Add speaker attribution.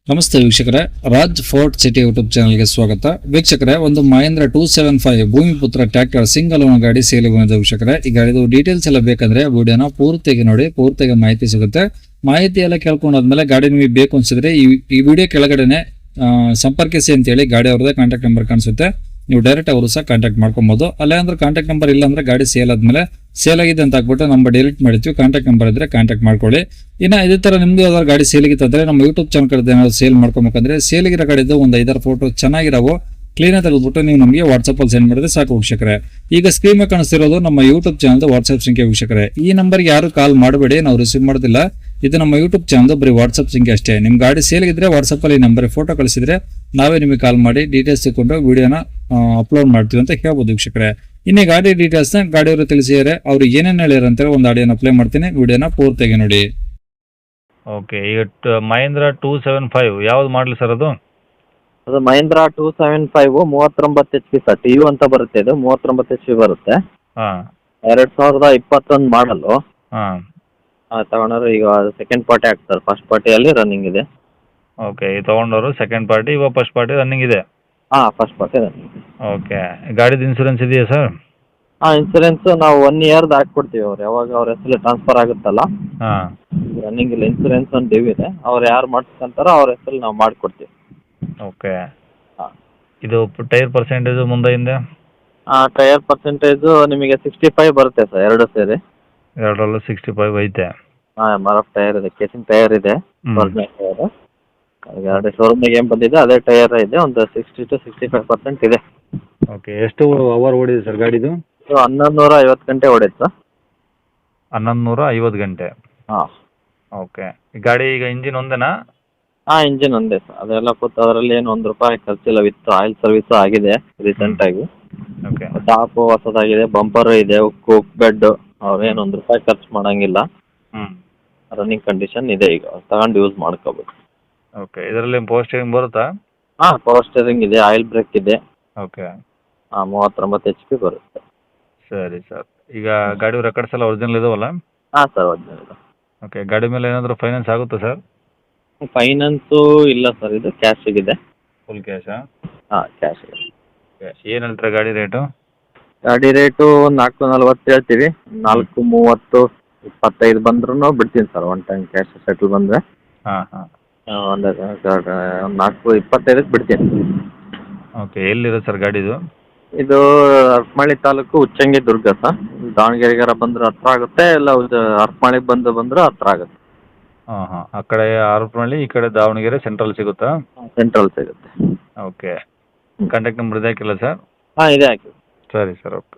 Speaker 1: ನಮಸ್ತೆ ವೀಕ್ಷಕರೇ, Raj fort city YouTube ಚಾನಲ್ಗೆ ಸ್ವಾಗತ. ವೀಕ್ಷಕರೇ, ಒಂದು Mahindra 275 Bhumiputra tractor single own ಗಾಡಿ ಸೇಲ್ ಬಂದಿದೆ. ವೀಕ್ಷಕರೇ, ಈ ಗಾಡಿದು ಡೀಟೇಲ್ಸ್ ಎಲ್ಲ ಬೇಕಂದ್ರೆ ವಿಡಿಯೋನ ಪೂರ್ತಿಯಾಗಿ ನೋಡಿ, ಪೂರ್ತಿಯಾಗಿ ಮಾಹಿತಿ ಸಿಗುತ್ತೆ. ಮಾಹಿತಿ ಎಲ್ಲ ಕೇಳ್ಕೊಂಡಾದ್ಮೇಲೆ ಗಾಡಿ ನಿಮಗೆ ಬೇಕು ಅನ್ಸಿದ್ರೆ ಈ ವಿಡಿಯೋ ಕೆಳಗಡೆನೆ ಸಂಪರ್ಕಿಸಿ ಅಂತೇಳಿ ಗಾಡಿ ಅವ್ರದ್ದೇ ಕಾಂಟ್ಯಾಕ್ಟ್ ನಂಬರ್ ಕಾಣಿಸುತ್ತೆ. ನೀವು ಡೈರೆಕ್ಟ್ ಅವರು ಸಹ ಕಾಂಟ್ಯಾಕ್ಟ್ ಮಾಡ್ಕೊಬಹುದು. ಅಲ್ಲೇ ಅಂದ್ರೆ ಕಾಂಟ್ಯಾಕ್ಟ್ ನಂಬರ್ ಇಲ್ಲ ಅಂದ್ರೆ ಗಾಡಿ ಸೇಲ್ ಆದ್ಮೇಲೆ ಸೇಲ್ ಆಗಿದೆ ಅಂತ ಹಾಕ್ಬಿಟ್ಟು ನಂಬರ್ ಡಿಲೀಟ್ ಮಾಡಿರ್ತೀವಿ. ಕಾಂಟ್ಯಾಕ್ಟ್ ನಂಬರ್ ಇದ್ರೆ ಕಾಂಟ್ಯಾಕ್ಟ್ ಮಾಡ್ಕೊಳ್ಳಿ. ಇನ್ನು ಇದೇ ತರ ನಿಮ್ದು ಯಾವ್ದಾದ್ರು ಗಾಡಿ ಸೇಲಿಗಿತ್ತಂದ್ರೆ ನಮ್ಮ ಯೂಟ್ಯೂಬ್ ಚಾನಲ್ ಕಡೆ ಏನಾದ್ರು ಸೇಲ್ ಮಾಡ್ಕೊಬೇಕಂದ್ರೆ ಸೇಲಿಗಿರೋ ಗಾಡಿದ್ದು ಒಂದು 5-6 ಫೋಟೋ ಚೆನ್ನಾಗಿರೋ ಕ್ಲೀನ್ ತೆಗೆದ್ಬಿಟ್ಟು ನೀವು ನಮಗೆ ವಾಟ್ಸ್ಆಪ್ ಅಲ್ಲಿ ಸೆಂಡ್ ಮಾಡಿದ್ರೆ ಸಾಕು ವೀಕ್ಷಕರೇ. ಈಗ ಸ್ಕ್ರೀನ್ ಮೇಲೆ ಕಾಣಿಸ್ತಿರೋದು ನಮ್ಮ ಯೂಟ್ಯೂಬ್ ಚಾನಲ್ ವಾಟ್ಸ್ಆಪ್ ಸಂಖ್ಯೆ ವೀಕ್ಷಕರೇ. ಈ ನಂಬರ್ಗೆ ಯಾರು ಕಾಲ್ ಮಾಡಬೇಡಿ, ನಾವು ರಿಸೀವ್ ಮಾಡೋದಿಲ್ಲ. ಇದು ನಮ್ಮ ಯೂಟ್ಯೂಬ್ ಚಾನಲ್ ಬರೀ ವಾಟ್ಸ್ಆಪ್ ಸಂಖ್ಯೆ ಅಷ್ಟೇ. ನಿಮ್ ಗಾಡಿ ಸೇಲ್ಗಿದ್ರೆ ವಾಟ್ಸ್ಆಪ್ ಅಲ್ಲಿ ನಂಬರ್ ಫೋಟೋ ಕಳಿಸಿದ್ರೆ ನಾವೇ ನಿಮಗೆ ಕಾಲ್ ಮಾಡಿ ಡೀಟೇಲ್ಸ್ ತಗೊಂಡು ವಿಡಿಯೋನ ಅಪ್ಲೋಡ್ ಮಾಡ್ತೀವಿ ಅಂತ ಹೇಳ್ಬೋದು ವೀಕ್ಷಕರೇ. ಇನ್ನೇ ಗಾಡಿ ಡೀಟೇಲ್ಸ್ ನ ಗಾಡಿಯವರು ತಿಳಿಸಿದರೆ ಅವ್ರು ಏನೇನು ಹೇಳಿದ್ರು ಅಂತ ಒಂದು ಆಡಿಯೋನ ಪ್ಲೇ ಮಾಡ್ತೀನಿ, ವಿಡಿಯೋನ ಪೂರ್ತಿಯಾಗಿ ನೋಡಿ.
Speaker 2: ಓಕೆ, ಈಗ ಮಹೇಂದ್ರ 275 ಯಾವ್ದು ಮಾಡಲಿ ಸರ್ ಅದು?
Speaker 3: ಅದು Mahindra 275 39 HP sir. T U ಅಂತ ಬರುತ್ತೆ, ಇದು 39 HP ಬರುತ್ತೆ.
Speaker 2: ಹಾಂ
Speaker 3: 2021 ಮಾಡಲು
Speaker 2: ಹಾಂ
Speaker 3: ತಗೊಂಡ್ರೆ ಈಗ ಸೆಕೆಂಡ್ ಪಾರ್ಟಿ ಆಗ್ತಾರೆ. ಫಸ್ಟ್ ಪಾರ್ಟಿಯಲ್ಲಿ ರನ್ನಿಂಗ್ ಇದೆ.
Speaker 2: ಓಕೆ, ಈ ತೊಗೊಂಡವರು ಸೆಕೆಂಡ್ ಪಾರ್ಟಿ, ಇವಾಗ ಫಸ್ಟ್ ಪಾರ್ಟಿ ರನ್ನಿಂಗ್ ಇದೆ.
Speaker 3: First party running.
Speaker 2: ಓಕೆ, ಗಾಡಿದು ಇನ್ಸೂರೆನ್ಸ್ ಇದೆಯಾ ಸರ್?
Speaker 3: ಇನ್ಸೂರೆನ್ಸ್ ನಾವು 1 ಇಯರ್ದು ಹಾಕ್ಕೊಡ್ತೀವಿ. ಅವ್ರು ಯಾವಾಗ ಅವ್ರ ಹೆಸರಲ್ಲಿ ಟ್ರಾನ್ಸ್ಫರ್ ಆಗುತ್ತಲ್ಲ,
Speaker 2: ಹಾಂ
Speaker 3: ರನ್ನಿಂಗ್ ಇಲ್ಲ. ಇನ್ಸೂರೆನ್ಸ್ ಒಂದು ಡ್ಯೂ ಇದೆ. ಅವ್ರು ಯಾರು ಮಾಡಿಸ್ಕೊಂತಾರೋ ಅವ್ರ ಹೆಸರಲ್ಲಿ ನಾವು ಮಾಡಿಕೊಡ್ತೀವಿ.
Speaker 2: ಓಕೆ,
Speaker 3: ಹಾಂ
Speaker 2: ಇದು ಟೈರ್ ಪರ್ಸೆಂಟೇಜು ಮುಂದೆ ಹಿಂದೆ?
Speaker 3: ಟೈರ್ ಪರ್ಸೆಂಟೇಜು ನಿಮಗೆ 65 ಬರುತ್ತೆ ಸರ್, ಎರಡು ಸೇರಿ.
Speaker 2: ಎರಡರಲ್ಲೂ 65 ಐತೆ.
Speaker 3: ಮರಫ್ ಟೈರ್ ಇದೆ, ಕೇಸಿಂಗ್ ಟೈರ್ ಇದೆ,
Speaker 2: ಹ್ಮ್.
Speaker 3: Original tyre. ಎರಡು ಶೋರೂಮಿಗೆ ಏನು ಬಂದಿದೆ ಅದೇ ಟೈರ್ ಇದೆ. ಒಂದು 60 to 65% ಇದೆ.
Speaker 2: ಓಕೆ, ಎಷ್ಟು ಅವರ್ ಓಡಿದೆ ಸರ್ ಗಾಡಿದು?
Speaker 3: 1150 ಗಂಟೆ ಹೊಡೆಯುತ್ತೆ ಸರ್.
Speaker 2: 1150 ಗಂಟೆ.
Speaker 3: ಹಾಂ
Speaker 2: ಓಕೆ, ಈ ಗಾಡಿ ಈಗ ಇಂಜಿನ್ ಒಂದೇನಾ?
Speaker 3: ಇಂಜಿನ್ ಒಂದೇ ಸರ್. ಅದೆಲ್ಲ ಕೂತು ಅದರಲ್ಲಿ ಏನು ₹1 ಖರ್ಚಿಲ್ಲ. ವಿತ್ ಆಯಿಲ್ ಸರ್ವಿಸು ಆಗಿದೆ ರೀಸೆಂಟಾಗಿ.
Speaker 2: ಓಕೆ
Speaker 3: ಟಾಪು ಹೊಸದಾಗಿದೆ, ಬಂಪರು ಇದೆ, ಕೂಕ್ ಬೆಡ್. ಅವ್ರೇನು ₹1 ಖರ್ಚು ಮಾಡೋಂಗಿಲ್ಲ.
Speaker 2: ಹ್ಞೂ
Speaker 3: ರನ್ನಿಂಗ್ ಕಂಡೀಷನ್ ಇದೆ. ಈಗ ತಗೊಂಡು ಯೂಸ್ ಮಾಡ್ಕೋಬೇಕು.
Speaker 2: ಓಕೆ, ಇದರಲ್ಲಿ ಪವರ್ ಸ್ಟೇರಿಂಗ್ ಬರುತ್ತಾ?
Speaker 3: ಪವರ್ ಸ್ಟೇರಿಂಗ್ ಇದೆ, ಆಯಿಲ್ ಬ್ರೇಕ್ ಇದೆ.
Speaker 2: ಓಕೆ
Speaker 3: 39 HP ಬರುತ್ತೆ.
Speaker 2: ಸರಿ ಸರ್, ಈಗ ಗಾಡಿ ರೆಕಾರ್ಡ್ಸ್ ಎಲ್ಲ ಒರಿಜಿನಲ್ ಇದಾವಲ್ಲ?
Speaker 3: ಸರ್ ಒರಿಜಿನಲ್ ಇದೆ.
Speaker 2: ಓಕೆ, ಗಾಡಿ ಮೇಲೆ ಏನಾದರೂ ಫೈನಾನ್ಸ್ ಆಗುತ್ತಾ ಸರ್?
Speaker 3: ಫೈನಾನ್ಸು ಇಲ್ಲ ಸರ್, ಇದು ಕ್ಯಾಶಿಗಿದೆ.
Speaker 2: ಫುಲ್ ಕ್ಯಾಶಾ?
Speaker 3: ಕ್ಯಾಶ್ ಇದೆ.
Speaker 2: ಏನು ಹೇಳ್ತಾರೆ ಗಾಡಿ ರೇಟು?
Speaker 3: ಗಾಡಿ ರೇಟು 440 ಹೇಳ್ತೀವಿ. 430 25 ಬಂದ್ರೂ ಬಿಡ್ತೀನಿ sir. One time cash settle ಬಂದರೆ
Speaker 2: ಹಾಂ ಹಾಂ
Speaker 3: ಒಂದು 425ಕ್ಕೆ ಬಿಡ್ತೀನಿ.
Speaker 2: ಓಕೆ, ಎಲ್ಲಿದೆ ಸರ್ ಗಾಡಿದು?
Speaker 3: ಇದು ಹರಪನಹಳ್ಳಿ ತಾಲೂಕು ಉಚ್ಚಂಗಿ ದುರ್ಗ ಸರ್. ದಾವಣಗೆರೆಗಾರ ಬಂದ್ರೆ ಹತ್ರ ಆಗುತ್ತೆ, ಇಲ್ಲ ಹರಪನಹಳ್ಳಿಗೆ ಬಂದ್ರೆ ಹತ್ರ ಆಗುತ್ತೆ.
Speaker 2: ಹಾಂ ಹಾಂ, ಆ ಕಡೆ ಹರಪನಹಳ್ಳಿ, ಈ ಕಡೆ ದಾವಣಗೆರೆ ಸೆಂಟ್ರಲ್ ಸಿಗುತ್ತಾ?
Speaker 3: ಸೆಂಟ್ರಲ್ ಸಿಗುತ್ತೆ.
Speaker 2: ಓಕೆ, ಕಾಂಟ್ಯಾಕ್ಟ್ ನಂಬರ್ ಇದೆ ಹಾಕಿಲ್ಲ ಸರ್?
Speaker 3: ಇದೆ ಹಾಕಿ.
Speaker 2: ಸರಿ ಸರ್, ಓಕೆ.